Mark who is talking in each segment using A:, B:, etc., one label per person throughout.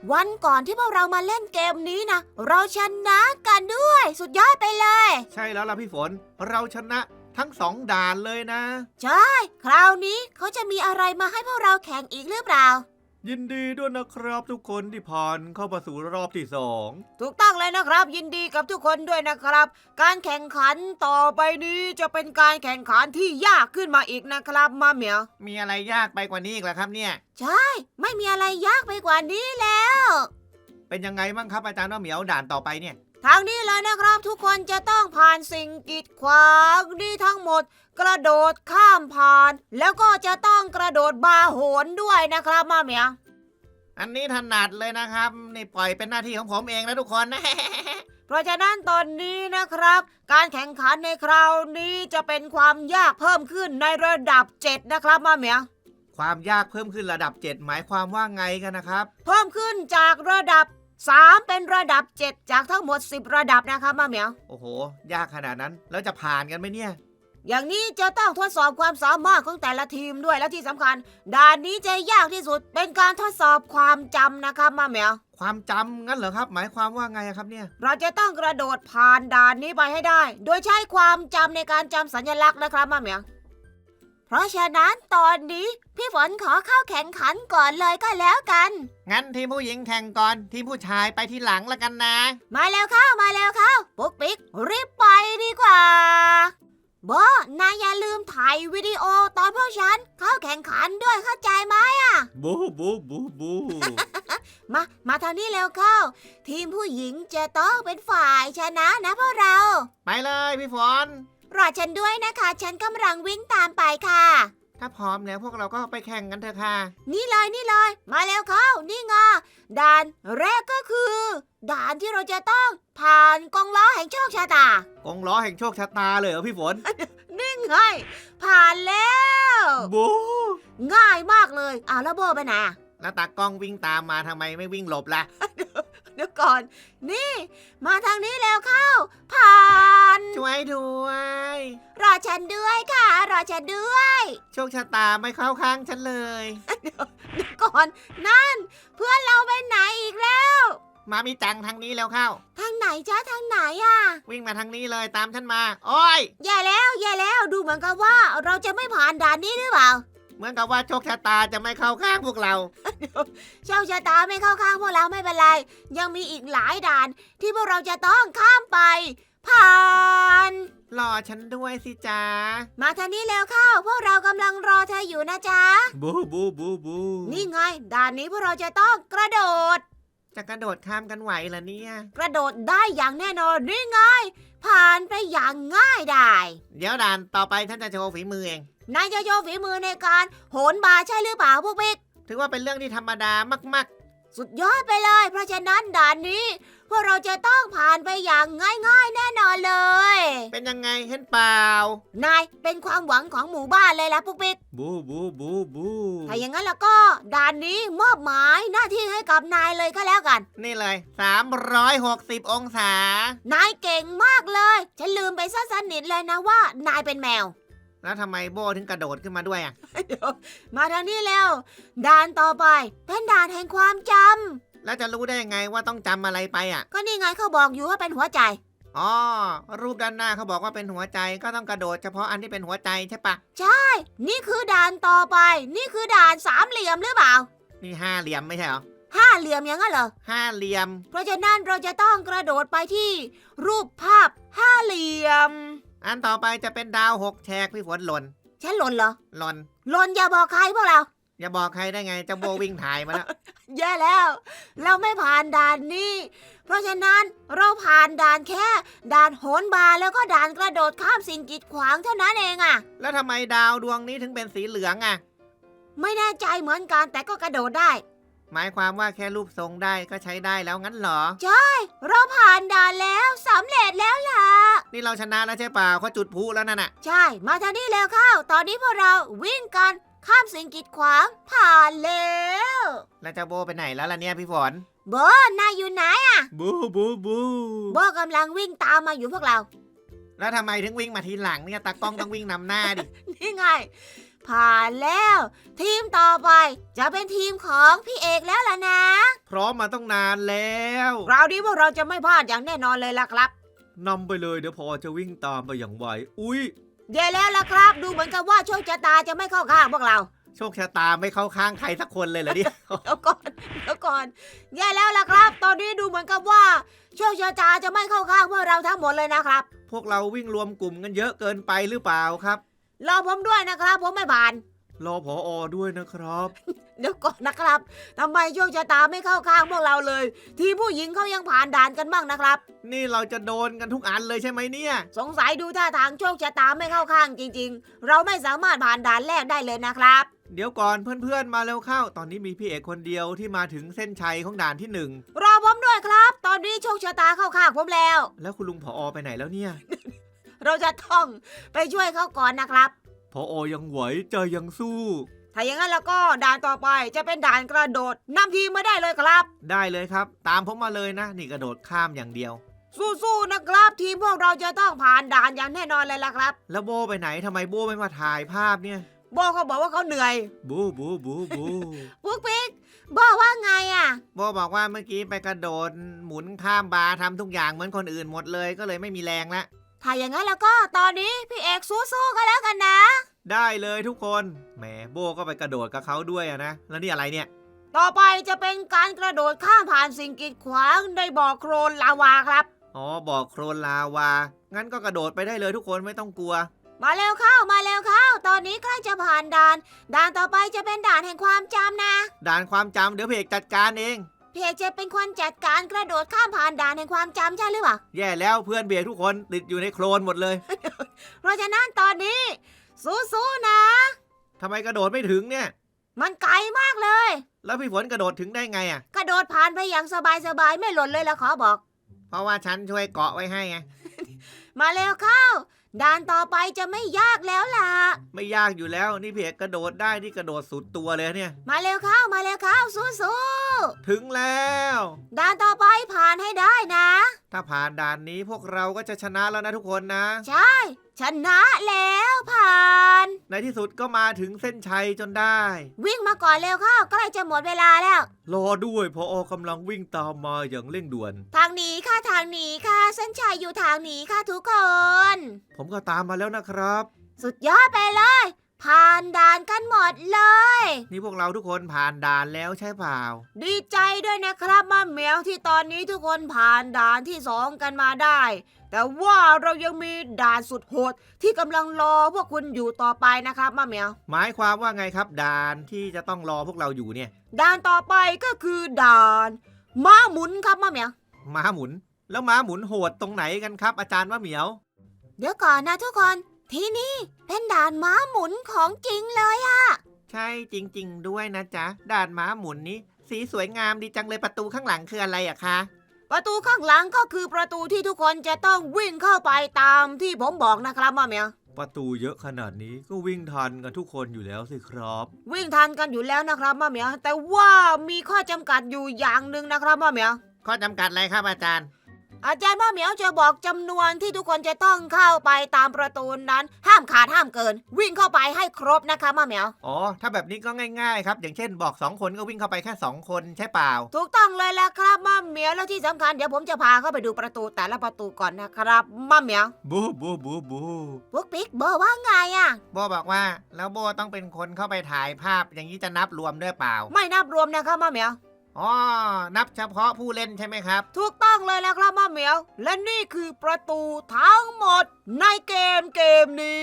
A: วันก่อนที่พวกเรามาเล่นเกมนี้นะเราชนะกันด้วยสุดยอดไปเลย
B: ใช่แล้วล่ะพี่ฝนเราชนะทั้ง2 ด่านเลยนะ
A: ใช่คราวนี้เขาจะมีอะไรมาให้พวกเราแข่งอีกหรือเปล่า
B: ยินดีด้วยนะครับทุกคนที่ผ่านเข้ามาสู่รอบที่2
A: ถูกต้องเลยนะครับยินดีกับทุกคนด้วยนะครับการแข่งขันต่อไปนี้จะเป็นการแข่งขันที่ยากขึ้นมาอีกนะครับมาเหมียว
B: มีอะไรยากไปกว่านี้อีกเหรอครับเนี่ย
A: ใช่ไม่มีอะไรยากไปกว่านี้แล้ว
B: เป็นยังไงบ้างครับอาจารย์ว่าเหมียวด่านต่อไปเนี่ย
A: ทางนี้เลยนะครับทุกคนจะต้องผ่านสิ่งกีดขวางนี่ทั้งหมดกระโดดข้ามผ่านแล้วก็จะต้องกระโดดบาโหนด้วยนะครับมาเหมียว
B: อันนี้ถนัดเลยนะครับนี่ปล่อยเป็นหน้าที่ของผมเองนะทุกคนนะ
A: เพราะฉะนั้นตอนนี้นะครับการแข่งขันในคราวนี้จะเป็นความยากเพิ่มขึ้นในระดับ7นะครับมาเหมียว
B: ความยากเพิ่มขึ้นระดับ7หมายความว่าไงกันนะครับ
A: เพิ่มขึ้นจากระดับ3เป็นระดับ7จากทั้งหมด10ระดับนะครับมาเหมียว
B: โอ้โหยากขนาดนั้นแล้วจะผ่านกันไหมเนี่ย
A: อย่างนี้จะต้องทดสอบความสามารถของแต่ละทีมด้วยและที่สำคัญด่านนี้จะยากที่สุดเป็นการทดสอบความจำนะครับมาเหมียว
B: ความจำงั้นเหรอครับหมายความว่าไงครับเนี่ย
A: เราจะต้องกระโดดผ่านด่านนี้ไปให้ได้โดยใช้ความจำในการจำสัญลักษณ์นะครับมาเหมียวเพราะฉะนั้นตอนนี้พี่ฝนขอเข้าแข่งขันก่อนเลยก็แล้วกัน
B: งั้นทีมผู้หญิงแข่งก่อนทีมผู้ชายไปทีหลังละกันนะ
A: มาแล้วเข้ามาแล้วเข้าปุ๊กปิ๊กรีบไปดีกว่าโบนายอย่าลืมถ่ายวิดีโอตอนพวกฉันเข้าแข่งขันด้วยเข้าใจไหมอ่ะ
B: บูบูบูบู
A: มาทางนี้แล้วเข้าทีมผู้หญิงจะต้องเป็นฝ่ายชนะนะพวกเรา
B: ไปเลยพี่ฝน
A: รอฉันด้วยนะคะฉันกำลังวิ่งตามไปค่ะ
B: ถ้าพร้อมแล้วพวกเราก็ไปแข่งกันเถอะค่ะ
A: นี่เลยมาแล้วเข้านี่ไงด่านแรกก็คือด่านที่เราจะต้องผ่านกองล้อแห่งโชคชะตาก
B: องล้อแห่งโชคชะตาเลยเหรอพี่ฝน
A: นี่ไงผ่านแล้ว
B: บู
A: ง่ายมากเลยแล้วโบไปไหน
B: แล้วตากล้องวิ่งตามมาทำไมไม่วิ่งหลบล่ะ
A: เดี๋ยวก่อนนี่มาทางนี้แล้วเข้าผ่าน
B: ช่วยด้วย
A: รอฉันด้วยค่ะรอฉันด้วย
B: โชคชะตาไม่เข้าข้างฉันเลย
A: เดี๋ยวก่อนนั่นเพื่อนเราไปไหนอีกแล้ว
B: มามีจังทางนี้แล้วเข้า
A: ทางไหนจ้าทางไหนอ่ะ
B: วิ่งมาทางนี้เลยตามฉันมาโอ้ย
A: แย่แล้วดูเหมือนกับว่าเราจะไม่ผ่านด่านนี้หรือเปล่า
B: เหมือนกับว่าโชคชะตาจะไม่เข้าข้างพวกเรา
A: โชคชะตาไม่เข้าข้างพวกเราไม่เป็นไรยังมีอีกหลายด่านที่พวกเราจะต้องข้ามไปผ่าน
B: รอฉันด้วยสิจ๊ะ
A: มาทางนี้แล้วเข้าพวกเรากำลังรอเธออยู่นะจ๊ะ
B: บูบูบูบู
A: นี่ไงด่านนี้พวกเราจะต้องกระโดด
B: จะกระโดดข้ามกันไหวเหรอเนี่ย
A: กระโดดได้อย่างแน่นอนนี่ไงผ่านไปอย่างง่ายดาย
B: เดี๋ยวด่านต่อไปท่านจะโชว์ฝีมือเอง
A: นายจะโชว์ฝีมือในการโหนบาร์ใช่หรือเปล่าพวกบิ๊ก
B: ถือว่าเป็นเรื่องที่ธรรมดามาก
A: ๆสุดยอดไปเลยเพราะฉะนั้นด่านนี้พวกเราจะต้องผ่านไปอย่างง่ายๆแน่นอนเลย
B: เป็นยังไงเห็นเปล่าน
A: ายเป็นความหวังของหมู่บ้านเลยล่ะปุ๊กปิ๊ก
B: บูบูบูบู
A: ถ้าอย่างนั้นแล้วก็ด่านนี้มอบหมายหน้าที่ให้กับนายเลยก็แล้วกัน
B: นี่เลย360องศาน
A: ายเก่งมากเลยฉันลืมไปซะสนิทเลยนะว่านายเป็นแมว
B: แล้วทำไมโบถึงกระโดดขึ้นมาด้วยอ่ะ
A: เดี๋ยวมาทางนี้แล้วด่านต่อไปเป็นด่านแห่งความจำ
B: แล้วจะรู้ได้ยังไงว่าต้องจำอะไรไปอ่ะ
A: ก็นี่ไงเขาบอกอยู่ว่าเป็นหัวใจ
B: อ๋อรูปด้านหน้าเขาบอกว่าเป็นหัวใจก็ต้องกระโดดเฉพาะอันที่เป็นหัวใจใช่ปะ
A: ใช่นี่คือด่านต่อไปนี่คือด่านสามเหลี่ยมหรือเปล่า
B: นี่ห้าเหลี่ยมไม่ใช่เหรอ
A: ห้าเหลี่ยมอย่างนั้นเหรอ
B: ห้าเหลี่ยม
A: เพราะฉะนั้นเราจะต้องกระโดดไปที่รูปภาพห้าเหลี่ยม
B: อันต่อไปจะเป็นดาว6แฉกพี่ฝนหล่น
A: ฉันหล่นเหรอ
B: หล่น
A: อย่าบอกใครพวกเรา
B: อย่าบอกใครได้ไงเจ้าโบวิ่งถ่ายมาแล้ว
A: แย่แล้วเราไม่ผ่านด่านนี้เพราะฉะนั้นเราผ่านด่านแค่ด่านโหนบาร์แล้วก็ด่านกระโดดข้ามสิ่งกีดขวางเท่านั้นเองอะ
B: แล้วทำไมดาวดวงนี้ถึงเป็นสีเหลืองอะ
A: ไม่แน่ใจเหมือนกันแต่ก็กระโดดได้
B: หมายความว่าแค่รูปทรงได้ก็ใช้ได้แล้วงั้นเหรอ
A: ใช่เราผ่านด่านแล้วสำเร็จแล้วล่ะ
B: นี่เราชนะแล้วใช่เปล่าเขาจุดพลุแล้วนั่นน่ะ
A: ใช่มาทางนี้แล้วเข้าตอนนี้พวกเราวิ่งกันข้ามสิ่งกีดขวางผ่านแล้ว
B: แล้วเจ้าโบไปไหนแล้วล่ะเนี่ยพี่ฝน
A: โบนายอยู่ไหนอะ
B: บูบูบู
A: โบกำลังวิ่งตามมาอยู่พวกเรา
B: แล้วทำไมถึงวิ่งมาทีหลังเนี่ยตากล้องต้องวิ่งนำหน้าดิ
A: นี่ไงผ่านแล้วทีมต่อไปจะเป็นทีมของพี่เอกแล้วล่ะนะ
B: พร้อมมาต้องนานแล้ว
A: คราวนี้พวกเราจะไม่พลาดอย่างแน่นอนเลยล่ะครับ
B: นำไปเลยเดี๋ยวพอจะวิ่งตามไปอย่างไวอุ๊ย
A: แย่แล้วล่ะครับ ดูเหมือนกับว่าโชคชะตาจะไม่เข้าข้างพวกเรา
B: โชคชะตาไม่เข้าข้างใครสักคนเลยเหรอเนี่ย
A: เดี๋ยวก่อนแย่แล้วล่ะครับ ตอนนี้ดูเหมือนกับว่าโชคชะตาจะไม่เข้าข้างพวกเราทั้งหมดเลยนะครับ
B: พวกเราวิ่งรวมกลุ่มกันเยอะเกินไปหรือเปล่าครับ
A: รอผมด้วยนะครับ ผมไม่ผ่าน
B: รอผอด้วยนะครับ
A: เดี๋ยวก่อนนะครับทำไมโชคชะตาไม่เข้าข้างพวกเราเลย ทีมผู้หญิงเขายังผ่านด่านกันบ้างนะครับ
B: นี่เราจะโดนกันทุกอันเลยใช่ไหมเนี่ย
A: สงสัยดูท่าทางโชคชะตาไม่เข้าข้างจริงๆ เราไม่สามารถผ่านด่านแรกได้เลยนะครับ
B: เดี๋ยวก่อนเพื่อนๆมาเร็วเข้า ตอนนี้มีพี่เอกคนเดียวที่มาถึงเส้นชัยของด่านที่
A: รอผมด้วยครับ ตอนนี้โชคชะตาเข้าข้างผมแล้ว
B: 1แล้วคุณลุงผอไปไหนแล้วเนี่ย
A: เราจะต้องไปช่วยเขาก่อนนะครับ
B: ผอยังไหวใจยังสู้
A: ถ้าอย่างนั้นแล้วก็ด่านต่อไปจะเป็นด่านกระโดดนำทีมมาได้เลยครับ
B: ได้เลยครับ ตามผมมาเลยนะ นี่กระโดดข้ามอย่างเดียว
A: สู้ๆนะครับ ทีมพวกเราจะต้องผ่านด่านอย่างแน่นอนเลยล่ะครับ
B: แล้วโบไปไหนทำไมโบไม่มาถ่ายภาพเนี่ย
A: โบเขาบอกว่าเขาเหนื่อย
B: บูบูบูบู
A: ปุ๊กปิ๊กบอกว่าไงอ่ะ
B: โบบอกว่าเมื่อกี้ไปกระโดดหมุนข้ามบาร์ทำทุกอย่างเหมือนคนอื่นหมดเลยก็เลยไม่มีแรงละ
A: ถ้าอย่างนั้นแล้วก็ตอนนี้พี่เอกสู้ๆกันแล้วกันนะ
B: ได้เลยทุกคนแหมโบก็ไปกระโดดกับเขาด้วยอะนะแล้วนี่อะไรเนี่ย
A: ต่อไปจะเป็นการกระโดดข้ามผ่านสิ่งกีดขวางในบ่อโคลนลาวาครับ
B: อ๋อบอกโครนลาวางั้นก็กระโดดไปได้เลยทุกคนไม่ต้องกลัว
A: มาเร็วเข้ามาเร็วเข้า ตอนนี้ใกล้จะผ่านด่าน ด่านต่อไปจะเป็นด่านแห่งความจำนะ
B: ด่านความจำเดี๋ยวเพจจัดการเอง
A: พี่เอกจะเป็นคนจัดการกระโดดข้ามผ่านด่านแห่งความจำใช่หรือเปล่า
B: แย่แล้วเพื่อนเบียทุกคนติดอยู่ในโคลนหมดเลย
A: เพราะฉะนั้นตอนนี้ สู้ๆนะ
B: ทำไมกระโดดไม่ถึงเนี่ย
A: มันไกลมากเลย
B: แล้วพี่ฝนกระโดดถึงได้ไงอ่ะ
A: กระโดดผ่านไปอย่างสบายๆไม่หล่นเลยละขอบอก
B: เพราะว่าฉันช่วยเกาะไว้ให้ไง
A: มาเร็วเข้า ด่านต่อไปจะไม่ยากแล้วล่ะ
B: ไม่ยากอยู่แล้วนี่พี่เอกกระโดดได้ที่กระโดดสุดตัวเลยเนี่ย
A: มาเร็วเข้ามาเร็วเข้าสู้ๆ
B: ถึงแล้ว
A: ด่านต่อไปผ่านให้ได้นะ
B: ถ้าผ่านด่านนี้พวกเราก็จะชนะแล้วนะทุกคนนะ
A: ใช่ ชนะแล้วผ่าน
B: ในที่สุดก็มาถึงเส้นชัยจนได้
A: วิ่งมาก่อนเร็วเข้าใกล้จะหมดเวลาแล้ว
B: รอด้วยพออกำลังวิ่งตามมาอย่างเร่งด่วน
A: ทางนี้ค่ะทางนี้ค่ะเส้นชัยอยู่ทางนี้ค่ะทุกคน
B: ผมก็ตามมาแล้วนะครับ
A: สุดยอดไปเลย ผ่านด่านกันหมดเลย
B: นี่พวกเราทุกคนผ่านด่านแล้วใช่เปล่า
A: ดีใจด้วยนะครับมาเหมียวที่ตอนนี้ทุกคนผ่านด่านที่2กันมาได้ แต่ว่าเรายังมีด่านสุดโหดที่กำลังรอพวกคุณอยู่ต่อไปนะครับมาเหมียว
B: หมายความว่าไงครับด่านที่จะต้องรอพวกเราอยู่เนี่ย
A: ด่านต่อไปก็คือด่านม้าหมุนครับมาเหมียว
B: ม้าหมุน แล้วม้าหมุนโหดตรงไหนกันครับ อาจารย์มะเหมียว
A: เดี๋ยวก่อนนะทุกคน ที่นี่เป็นด่านม้าหมุนของจริงเลยอะ
B: ใช่จริง ๆ ด้วยนะจ๊ะด่านม้าหมุนนี้ สีสวยงามดีจังเลยประตูข้างหลังคืออะไรอะคะ
A: ประตูข้างหลังก็คือประตูที่ทุกคนจะต้องวิ่งเข้าไปตามที่ผมบอกนะครับมาเหมียว
B: ประตูเยอะขนาดนี้ก็วิ่งทันกันทุกคนอยู่แล้วสิครับ
A: วิ่งทันกันอยู่แล้วนะครับมาเหมียวแต่ว่ามีข้อจำกัดอยู่อย่างหนึ่งนะครับมาเหมียว
B: ข้อจำกัดอะไรครับอาจารย์
A: อาจารย์มาเหมียวจะบอกจำนวนที่ทุกคนจะต้องเข้าไปตามประตูนั้น ห้ามขาดห้ามเกิน วิ่งเข้าไปให้ครบนะคะมาเหมียว
B: อ๋อถ้าแบบนี้ก็ง่ายๆครับอย่างเช่นบอก2คนก็วิ่งเข้าไปแค่2คนใช่เปล่า
A: ถูกต้องเลยละครับมาเหมียวแล้วที่สำคัญเดี๋ยวผมจะพาเข้าไปดูประตูแต่ละประตูก่อนนะครับมาเหมียว
B: บูบูบูบู
A: พวกปิ๊กเบอร์ว่าไงอะ
B: โบบอกว่าแล้วโบต้องเป็นคนเข้าไปถ่ายภาพอย่างนี้จะนับรวมด้วยเปล่า
A: ไม่นับรวมนะครับมาเหมียว
B: อ๋อนับเฉพาะผู้เล่นใช่ไหมครับ
A: ถูกต้องเลยแล้วครับมาเหมียว และนี่คือประตูทั้งหมดในเกมนี้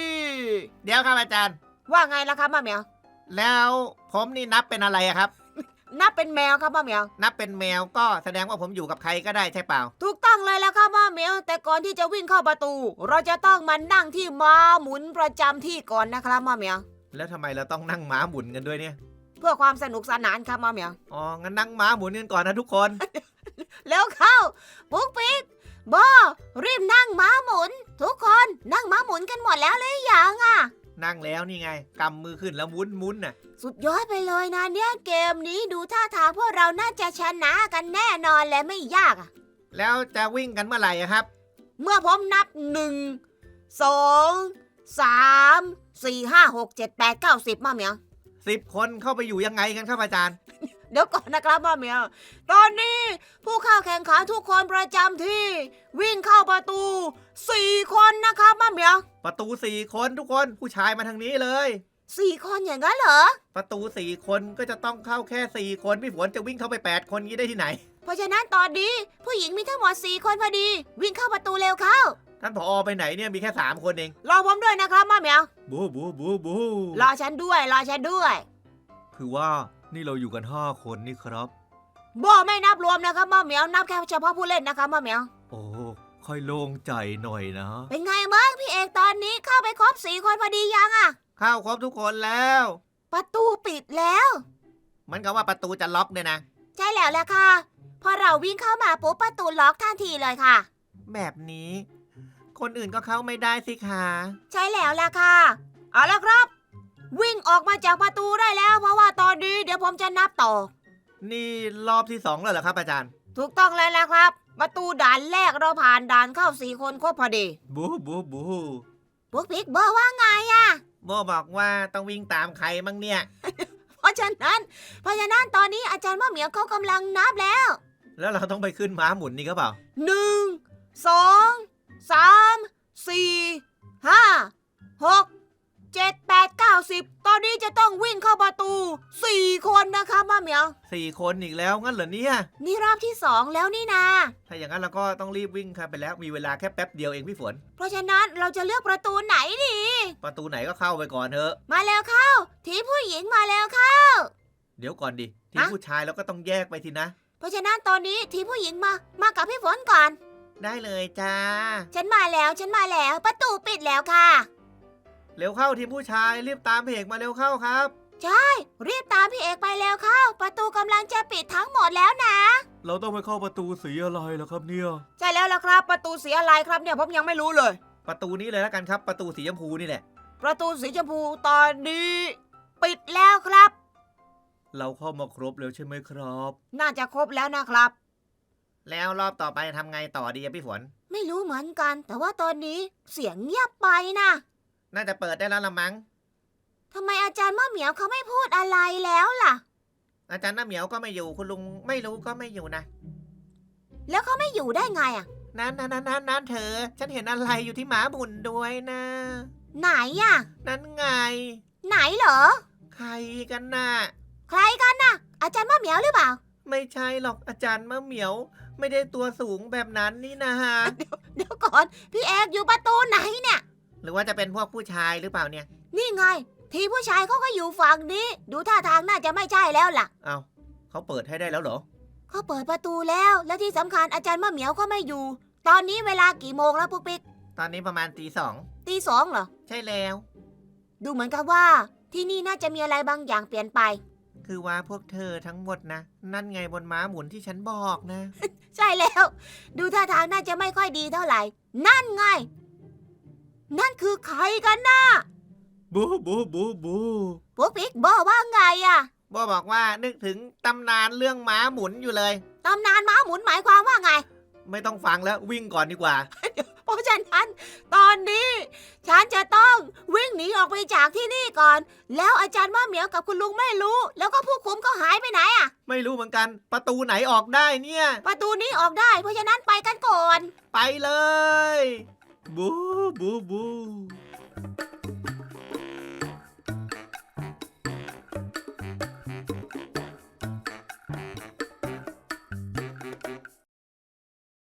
B: เดี๋ยวครับอาจารย์
A: ว่าไงล่ะครับมาเหมียว
B: แล้วผมนี่นับเป็นอะไรอะครับ
A: นับเป็นแมวครับมาเหมียว
B: นับเป็นแมวก็แสดงว่าผมอยู่กับใครก็ได้ใช่เปล่า
A: ถูกต้องเลยแล้วครับมาเหมียว แต่ก่อนที่จะวิ่งเข้าประตู เราจะต้องมานั่งที่ม้าหมุนประจำที่ก่อนนะครับมาเหมียว
B: แล้วทำไมเราต้องนั่งม้าหมุนกันด้วยเนี่ย
A: เพื่อความสนุกสนานครับมาเหมียว
B: อ๋องั้นนั่งม้าหมุนกันก่อนนะทุกคน
A: แล้วเข้าปุ๊กปิ๊กโบรีบนั่งม้าหมุน ทุกคนนั่งม้าหมุนกันหมดแล้วหรือยังอะ
B: นั่งแล้วนี่ไงกำมือขึ้นแล้วหมุนน่ะ
A: สุดยอดไปเลยนะเนี่ยเกมนี้ดูท่าทางพวกเราน่าจะชนะกันแน่นอนและไม่ยากอะ
B: แล้วจะวิ่งกันเมื่อไหร่อะครับ
A: เมื่อผมนับ1 2 3 4 5 6 7 8 9 10มาเหมียว
B: 10 คนเข้าไปอยู่ยังไงกันครับอาจารย์
A: เดี๋ยวก่อนนะครับมะเหมียว ตอนนี้ผู้เข้าแข่งขันทุกคนประจำที่ วิ่งเข้าประตู4 คนนะครับมะเหมียว
B: ประตู4 คนทุกคนผู้ชายมาทางนี้เลย
A: 4 คนอย่างนั้นเหรอ
B: ประตู4 คนก็จะต้องเข้าแค่4 คนพี่ฝนจะวิ่งเข้าไป8 คนงี้ได้ที่ไหน
A: เพราะฉะนั้นตอนนี้ผู้หญิงมีทั้งหมด4 คนพอดี วิ่งเข้าประตูเร็วเข้า
B: ท่านผอไปไหนเนี่ยมีแค่3 คนเอง
A: รอผมด้วยนะครับมะเหมียว
B: บูบูบูบู
A: รอฉันด้วย รอฉันด้วย
B: คือว่านี่เราอยู่กัน5 คนนี่ครับ
A: โบไม่นับรวมนะครับมะเหมียว นับแค่เฉพาะผู้เล่นนะครับมะเหมียว
B: โอ้ค่อยโล่งใจหน่อยนะ
A: เป็นไงบ้างพี่เอกตอนนี้เข้าไปครบ4 คนพอดียังอะ
B: เข้าครบทุกคนแล้ว
A: ประตูปิดแล้ว
B: เหมันกับว่าประตูจะล็อกเนี่ยนะ
A: ใช่แล้วแหละค่ะ พอเราวิ่งเข้ามาปุ๊บประตูล็อกทันทีเลยค่ะ
B: แบบนี้ คนอื่นก็เข้าไม่ได้สิคะ
A: ใช่แล้วแหละค่ะ เอาละครับ วิ่งออกมาจากประตูได้แล้ว เพราะว่าตอนนี้เดี๋ยวผมจะนับต่อ
B: นี่รอบที่2แล้วเหรอครับอาจารย์
A: ถูกต้องเลยนะครับ ประตูด่านแรกเราผ่านด่านเข้า4 คนครบพอดี
B: บูบูบู
A: พวกพิกเบอร์ว่าไงอะ
B: โบบอกว่าต้องวิ่งตามใครมั่งเนี่ย
A: เพราะฉะนั้นตอนนี้อาจารย์มะเหมียวเขากำลังนับแล้ว
B: แล้วเราต้องไปขึ้นม้าหมุนนี่ก็เปล่า
A: 1 2 3 4 5 6 7 8 9 10ตอนนี้จะต้องวิ่งเข้าประตู4 คนนะคะมะเหมียว
B: 4 คนอีกแล้วงั้นเหรอเนี่ย
A: นี่รอบที่2แล้วนี่นา
B: ถ้าอย่างนั้นเราก็ต้องรีบวิ่งครับไปแล้วมีเวลาแค่แป๊บเดียวเองพี่ฝน
A: เพราะฉะนั้นเราจะเลือกประตูไหนดี
B: ประตูไหนก็เข้าไปก่อนเถอะ
A: มาแล้วเข้า ทีมผู้หญิงมาแล้วเข้า
B: เดี๋ยวก่อนดิทีม
A: ฮะ
B: ผู้ชายเราก็ต้องแยกไปทีนะ
A: เพราะฉะนั้นตอนนี้ทีมผู้หญิงมากับพี่ฝนก่อน
B: ได้เลยจ้า
A: ฉันมาแล้วประตูปิดแล้วค่ะ
B: เร็วเข้าทีมผู้ชายรีบตามพี่เอกมาเร็วเข้าครับ
A: รีบตามพี่เอกไปแล้วเข้า ประตูกำลังจะปิดทั้งหมดแล้วนะ
B: เราต้องไปเข้าประตูสีอะไรล่ะครับเนี่ย
A: ใช่แล้วล่ะครับ ประตูสีอะไรครับเนี่ยผมยังไม่รู้เลย
B: ประตูนี้เลยแล้วกันครับประตูสีชมพูนี่แหละ
A: ประตูสีชมพูตอนนี้ ปิดแล้วครับ
B: เราเข้ามาครบแล้วใช่ไหมครับ
A: น่าจะครบแล้วนะครับ
B: แล้วรอบต่อไปทำไงต่อดีอะพี่ฝน
A: ไม่รู้เหมือนกัน แต่ว่าตอนนี้เสียงเงียบไปนะ
B: น่าจะเปิดได้แล้วละมั้ง
A: ทำไมอาจารย์มะเหมียวเขาไม่พูดอะไรแล้วล่ะ
B: อาจารย์น้าเหมียวก็ไม่อยู่คุณลุงไม่รู้ก็ไม่อยู่นะ
A: แล้วเขาไม่อยู่ได้ไงอ่ะ
B: นั่นเธอ ฉันเห็นอะไรอยู่ที่หมาบุญด้วยนะ
A: ไหนอ่ะ
B: นั่นไง
A: ไหนเหรอ
B: ใครกันน่ะ
A: ใครกันน่ะ อาจารย์มะเหมียวหรือเปล่า
B: ไม่ใช่หรอกอาจารย์มะเหมียว ไม่ได้ตัวสูงแบบนั้นนี่นะฮะ
A: เดี๋ยวก่อน พี่เอกอยู่ประตูไหนเนี่ย
B: หรือว่าจะเป็นพวกผู้ชายหรือเปล่าเนี่ย
A: นี่ไง ทีผู้ชายเขาก็อยู่ฝั่งนี้ ดูท่าทางน่าจะไม่ใช่แล้วล่ะ
B: เอาเขาเปิดให้ได้แล้วเหรอ
A: เขาเปิดประตูแล้ว และที่สำคัญอาจารย์มะเหมียวก็ไม่อยู่ ตอนนี้เวลากี่โมงแล้วปุ๊กปิ๊ก
B: ตอนนี้ประมาณตี 2
A: ตี 2เหรอ
B: ใช่แล้ว
A: ดูเหมือนกับว่า ที่นี่น่าจะมีอะไรบางอย่างเปลี่ยนไป
B: คือว่าพวกเธอทั้งหมดนะ นั่นไงบนม้าหมุนที่ฉันบอกนะ
A: ใช่แล้ว ดูท่าทางน่าจะไม่ค่อยดีเท่าไหร่ นั่นไง นั่นคือใครกันนะ
B: บูบู
A: ปุ๊กปิ๊กบอกว่าไงอะ
B: โบบอกว่านึกถึงตำนานเรื่องม้าหมุนอยู่เลย
A: ตำนานม้าหมุนหมายความว่าไง
B: ไม่ต้องฟังแล้ววิ่งก่อนดีกว่า
A: เพราะฉะนั้นตอนนี้ ฉันจะต้องวิ่งหนีออกไปจากที่นี่ก่อน แล้วอาจารย์มะเหมียวกับคุณลุงไม่รู้ แล้วก็ผู้คุมก็หายไปไหนอะ
B: ไม่รู้เหมือนกันประตูไหนออกได้เนี่ย
A: ประตูนี้ออกได้ เพราะฉะนั้นไปกันก่อน
B: ไปเลย บู